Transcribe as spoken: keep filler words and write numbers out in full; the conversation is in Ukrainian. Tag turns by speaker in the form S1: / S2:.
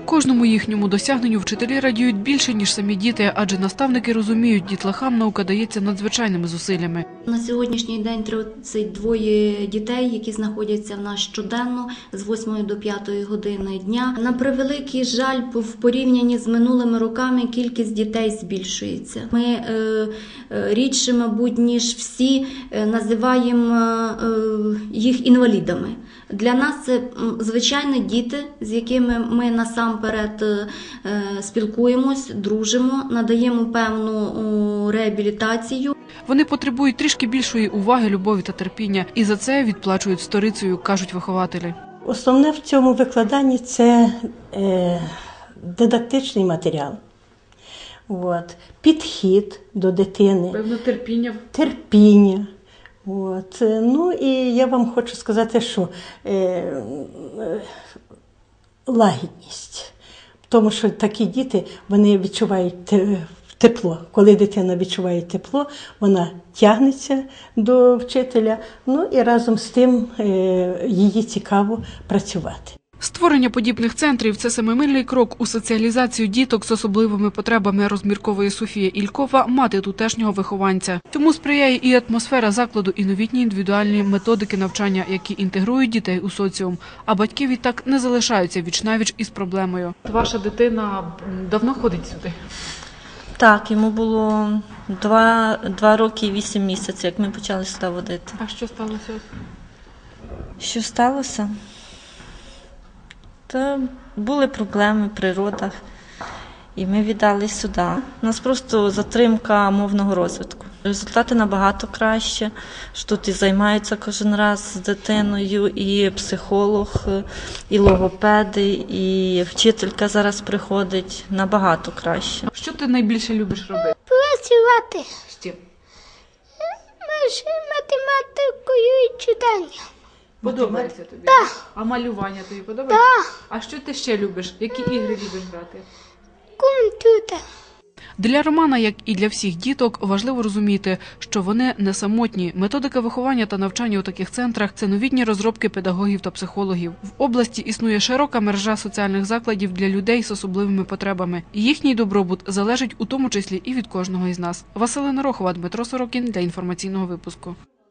S1: Кожному їхньому досягненню вчителі радіють більше, ніж самі діти, адже наставники розуміють, дітлахам наука дається надзвичайними зусиллями.
S2: На сьогоднішній день тридцять два дітей, які знаходяться в нас щоденно з восьмої до п'ятої години дня. На превеликий жаль, в порівнянні з минулими роками кількість дітей збільшується. Ми е, рідше, мабуть, ніж всі називаємо е, їх інвалідами. Для нас це звичайні діти, з якими ми насамперед спілкуємось, дружимо, надаємо певну реабілітацію.
S1: Вони потребують трішки більшої уваги, любові та терпіння, і за це відплачують сторицею, кажуть вихователі.
S3: Основне в цьому викладанні – це е, дидактичний матеріал. От. Підхід до дитини.
S1: Певно, терпіння.
S3: Терпіння. От. Ну і я вам хочу сказати, що е, е, лагідність. Тому що такі діти, вони відчувають тепло. Коли дитина відчуває тепло, вона тягнеться до вчителя, ну і разом з тим е, їй цікаво працювати.
S1: Створення подібних центрів – це семимильний крок у соціалізацію діток з особливими потребами, розмірковує Софія Ількова, мати тутешнього вихованця. Цьому сприяє і атмосфера закладу, і новітні індивідуальні методики навчання, які інтегрують дітей у соціум. А батьки відтак не залишаються віч-навіч із проблемою. Ваша дитина давно ходить сюди?
S4: Так, йому було два, два роки і вісім місяців, як ми почали сюди водити.
S1: А що сталося?
S4: Що сталося? Та були проблеми в природах, і ми віддали сюди. У нас просто затримка мовного розвитку. Результати набагато краще, що тут і займаються кожен раз з дитиною, і психолог, і логопеди, і вчителька зараз приходить, набагато краще.
S1: Що ти найбільше любиш робити?
S5: Працювати.
S1: З чим?
S5: Математикою і читанням.
S1: Подобається тобі?
S5: Так.
S1: А малювання тобі подобається?
S5: Так.
S1: А що ти ще любиш? Які ігри любиш грати?
S5: Комп'ютер.
S1: Для Романа, як і для всіх діток, важливо розуміти, що вони не самотні. Методика виховання та навчання у таких центрах – це новітні розробки педагогів та психологів. В області існує широка мережа соціальних закладів для людей з особливими потребами. Їхній добробут залежить у тому числі і від кожного із нас. Василина Рохова, Дмитро Сорокін для інформаційного випуску.